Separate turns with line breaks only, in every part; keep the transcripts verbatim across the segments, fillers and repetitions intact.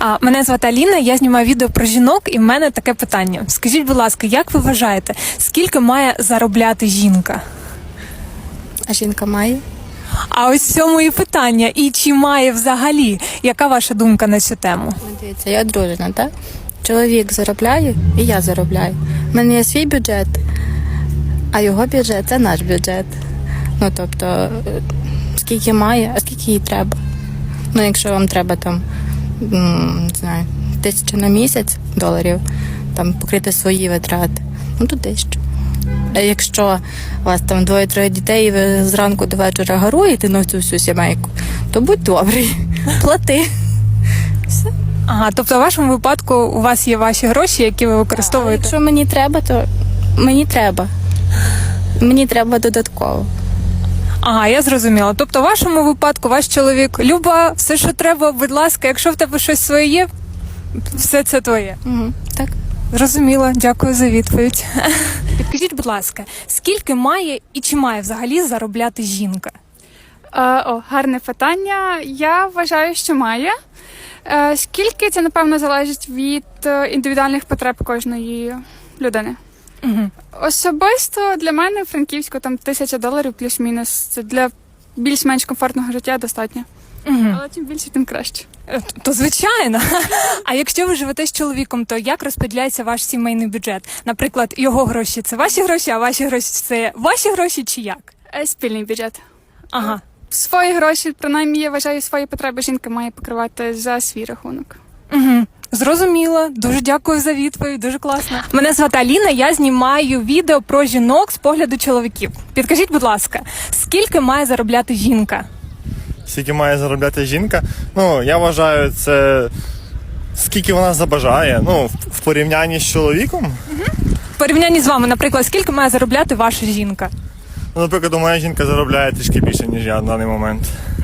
А, мене звати Аліна, я знімаю відео про жінок, і в мене таке питання. Скажіть, будь ласка, як ви вважаєте, скільки має заробляти жінка?
А жінка має?
А ось в цьому і питання. І чи має взагалі? Яка ваша думка на цю тему?
Ну, дивіться, я одружена, так? Чоловік заробляє, і я заробляю. У мене є свій бюджет, а його бюджет – це наш бюджет. Ну, тобто, е, скільки має, а скільки їй треба. Ну, якщо вам треба там, м, не знаю, тисяча на місяць доларів, там покрити свої витрати, ну, то тисячу. А якщо у вас там двоє-троє дітей, і ви зранку до вечора гаруєте на цю всю сімейку, то будь добрий, плати. Все.
Ага, тобто в вашому випадку у вас є ваші гроші, які ви
А
використовуєте?
якщо мені треба, то мені треба. Мені треба додатково.
Ага, я зрозуміла. Тобто в вашому випадку ваш чоловік: Люба, все, що треба, будь ласка, якщо в тебе щось своє є, все це твоє.
Угу, так.
Зрозуміло, дякую за відповідь. Підкажіть, будь ласка, скільки має і чи має взагалі заробляти жінка?
Е, О, гарне питання. Я вважаю, що має. Е, Скільки це, напевно, залежить від е, індивідуальних потреб кожної людини.
Угу.
Особисто для мене в Франківську там тисяча доларів плюс-мінус. Це для більш-менш комфортного життя достатньо.
Угу.
Але чим більше, тим краще.
То звичайно. А якщо ви живете з чоловіком, то як розподіляється ваш сімейний бюджет? Наприклад, його гроші – це ваші гроші, а ваші гроші – це ваші гроші чи як?
Е, Спільний бюджет.
Ага.
Свої гроші, принаймні, я вважаю, свої потреби жінка має покривати за свій рахунок.
Угу. Зрозуміло. Дуже дякую за відповідь. Дуже класно. Мене звати Аліна, я знімаю відео про жінок з погляду чоловіків. Підкажіть, будь ласка, скільки має заробляти жінка?
Скільки має заробляти жінка? Ну, я вважаю, це скільки вона забажає. Ну, в- в порівнянні з чоловіком.
В порівнянні з вами, наприклад, скільки має заробляти ваша жінка?
Ну, наприклад, моя жінка заробляє трішки більше, ніж я на даний момент.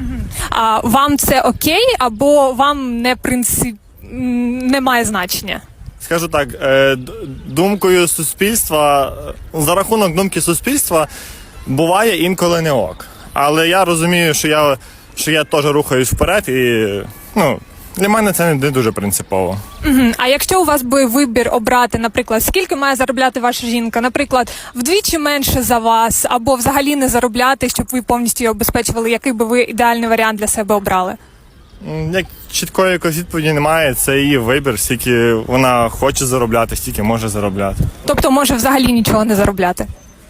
А вам це окей, або вам не принцип м, не має значення?
Скажу так, е, д- думкою суспільства, е, за рахунок думки суспільства, буває інколи не ок. Але я розумію, що я, що я теж рухаюсь вперед, і ну, для мене це не дуже принципово.
Угу. А якщо у вас би вибір обрати, наприклад, скільки має заробляти ваша жінка, наприклад, вдвічі менше за вас, або взагалі не заробляти, щоб ви повністю її обезпечували, який би ви ідеальний варіант для себе обрали?
М, Як чіткої якоїсь відповіді немає, це її вибір, скільки вона хоче заробляти, стільки може заробляти.
Тобто може взагалі нічого не заробляти?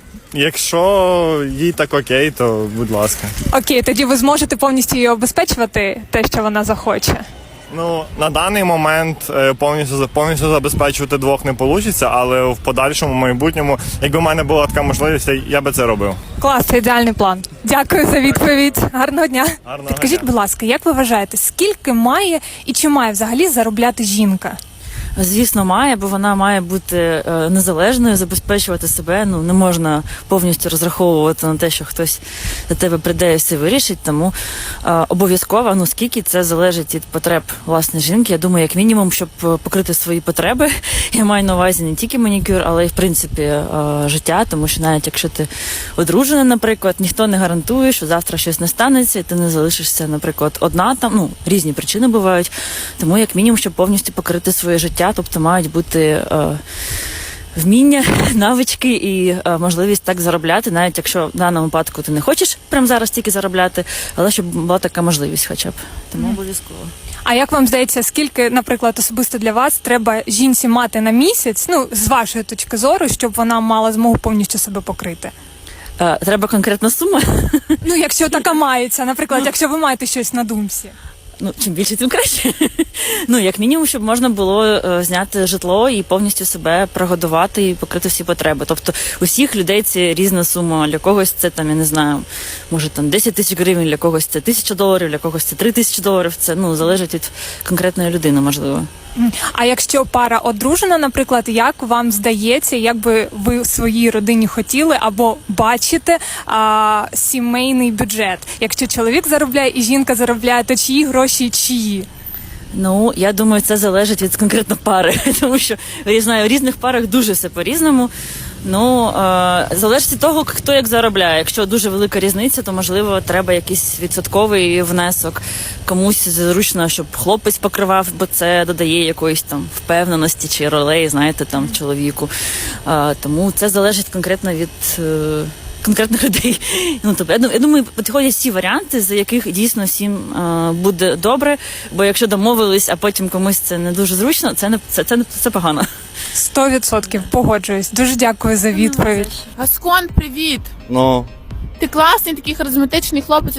Якщо їй так окей, то будь ласка.
Окей, тоді ви зможете повністю її обезпечувати те, що вона захоче.
Ну, на даний момент е, повністю за- повністю забезпечувати двох не вийде, але в подальшому майбутньому, якби в мене була така можливість, я- я би це робив.
Клас, це ідеальний план. Дякую за відповідь. Гарного дня.
Гарного
Підкажіть,
дня.
будь ласка, як ви вважаєте, скільки має і чи має взагалі заробляти жінка?
Звісно, має, бо вона має бути е, незалежною, забезпечувати себе. Ну не можна повністю розраховувати на те, що хтось за тебе прийде і все вирішить. Тому е, обов'язково, ну скільки це залежить від потреб власне жінки. Я думаю, як мінімум, щоб е, покрити свої потреби. Я маю на увазі не тільки манікюр, але й в принципі е, життя. Тому що навіть якщо ти одружена, наприклад, ніхто не гарантує, що завтра щось не станеться, і ти не залишишся, наприклад, одна там. Ну різні причини бувають. Тому як мінімум, щоб повністю покрити своє життя. Тобто мають бути е, вміння, навички і е, можливість так заробляти, навіть якщо в даному випадку ти не хочеш прямо зараз тільки заробляти, але щоб була така можливість хоча б. Тому обов'язково.
А як вам здається, скільки, наприклад, особисто для вас треба жінці мати на місяць, ну, з вашої точки зору, щоб вона мала змогу повністю себе покрити?
Е, треба конкретна сума.
Ну, якщо така мається, наприклад, якщо ви маєте щось на думці.
Ну, чим більше, тим краще. Ну, як мінімум, щоб можна було е, зняти житло і повністю себе прогодувати і покрити всі потреби. Тобто усіх людей це різна сума. Для когось це там, я не знаю, може там десять тисяч гривень, для когось це тисяча доларів, для когось це три тисячі доларів. Це ну залежить від конкретної людини, можливо.
М. А якщо пара одружена, наприклад, як вам здається, як би ви в своїй родині хотіли або бачите а, сімейний бюджет? Якщо чоловік заробляє і жінка заробляє, то чиї гроші чиї?
Ну, я думаю, це залежить від конкретно пари, тому що я знаю, в різних парах дуже все по-різному. Ну, е, залежить від того, хто як заробляє. Якщо дуже велика різниця, то, можливо, треба якийсь відсотковий внесок. Комусь зручно, щоб хлопець покривав, бо це додає якоїсь там впевненості чи ролей, знаєте, там, чоловіку. Е, тому це залежить конкретно від... Е, конкретних людей. Ну, тобто, я дум- я думаю, підходять всі варіанти, за яких дійсно всім е, буде добре, бо якщо домовились, а потім комусь це не дуже зручно, це не це, це, не- це погано.
Сто відсотків погоджуюсь. Дуже дякую за відповідь.
Гаскон, привіт!
Ну,
Ти класний, такий харизматичний хлопець.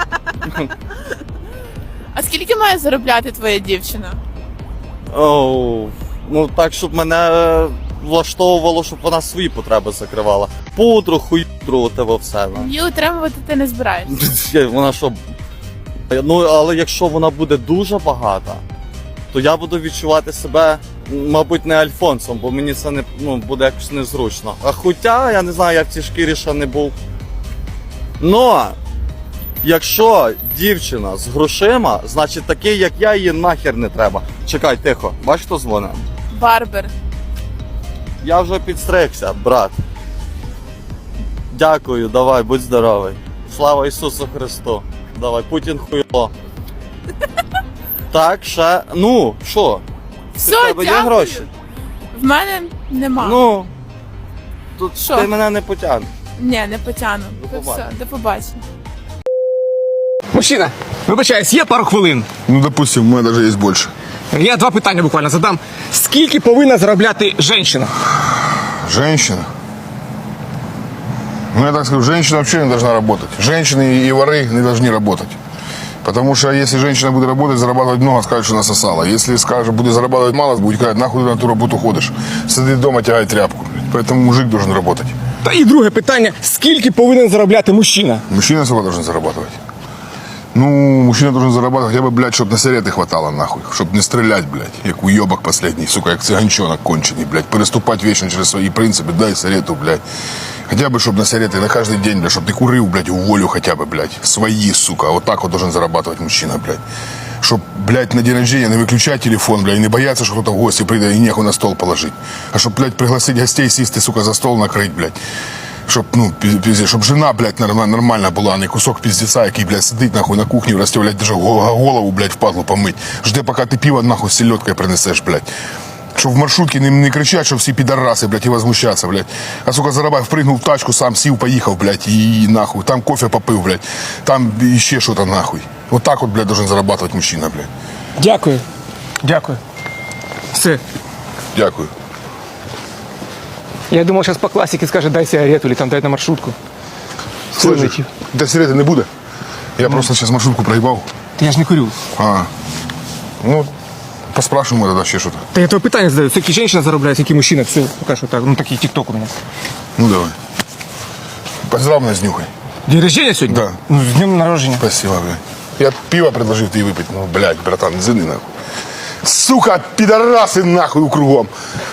А скільки має заробляти твоя дівчина?
Оу, ну так, щоб мене влаштовувало, щоб вона свої потреби закривала. Пудру, хуйдру, тебе все. ну.
Її утримувати ти не збираєшся.
Вона що? Ну, але якщо вона буде дуже багата, то я буду відчувати себе, мабуть, не альфонсом, бо мені це не ну, буде якось незручно. А хоча, я не знаю, я в цій шкірі ще не був. Но, якщо дівчина з грошима, значить такий, як я, її нахер не треба. Чекай, тихо, бач, хто дзвонить?
Барбер.
Я вже підстригся, брат. Дякую, давай, будь здоровий. Слава Ісусу Христу. Давай, Путін хуйло. Так, ще. Ну, що?
Все,
У тебе є
дякую.
гроші?
В мене нема.
Ну. Тут
Що?
ти мене не потягнеш.
Ні, не потягну.
До
Все,
побачення.
до побачення.
Мужчина, вибачаюсь, є пару хвилин.
Ну, допустим, у мене навіть є більше.
Я два питання буквально задам. Скільки повинна заробляти жінка?
Женщина. Ну, я так скажу, женщина вообще не должна работать. Женщины и воры не должны работать. Потому что если женщина будет работать, зарабатывать много, скажет, что насосала. Если скажет, будет зарабатывать мало, будет говорить, нахуй ты на ту работу ходишь. Сиди дома, тягай тряпку. Поэтому мужик должен работать.
Та і друге питання. Скільки повинен заробляти мужчина?
Мужчина сколько должен зарабатывать? Ну, мужчина должен зарабатывать хотя бы, блядь, чтобы на сигареты хватало, нахуй. Чтобы не стрелять, блядь, як уебок последний, сука, як цыганчонок конченый, блядь. Переступать вечно через свои принципы, дай сигарету, блядь. Хотя бы, чтобы на сигареты на каждый день, блядь, чтобы ты курил, блядь, в волю хотя бы, блядь. Свои, сука, вот так вот должен зарабатывать мужчина, блядь. Чтоб, блядь, на день рождения не выключать телефон, блядь, и не бояться, что кто-то в гости придет и нехуй на стол положить. А чтоб, блядь, пригласить гостей, сесть, сука, за стол накрыть, блядь. Щоб, ну, пиздец, щоб жена, блядь, нормальна була, а не кусок пиздеца, який, блядь, сидить, нахуй, на кухні, розставлять, даже голову, блядь, впадлу помить. Жди, поки ти пиво, нахуй, з селедкою принесеш, блядь. Щоб в маршрутці не, не кричать, що всі підараси, блядь, і возмущаться, блядь. А, сука, зарабай, впрыгнув в тачку, сам сів, поїхав, блядь, і, і нахуй. Там кофе попив, блядь. Там іще що-то, нахуй. Вот так вот, блядь, должен зарабатывать мужчина, блядь.
Дякую. Дякую. Все.
Дякую.
Я думал, сейчас по классике скажет, дай сигарету или там дай на маршрутку.
Слышиш, де сигарети не буде? Я просто зараз маршрутку проїбав.
Та я ж не курю.
А, ну, поспрашиваємо тоді ще щось.
Та я тебе питання задаю. Скільки жінка заробляє, скільки мужчина? Все, поки що так. Ну такий тік-ток у мене.
Ну, давай. Поздрав мене з нюхай.
День рождения сьогодні?
Да.
Ну, з днем народження.
Спасибо, блядь. Я пиво предложил тебе выпить. Ну, блядь, братан, зыны нахуй. Сука, пидорасы нахуй кругом.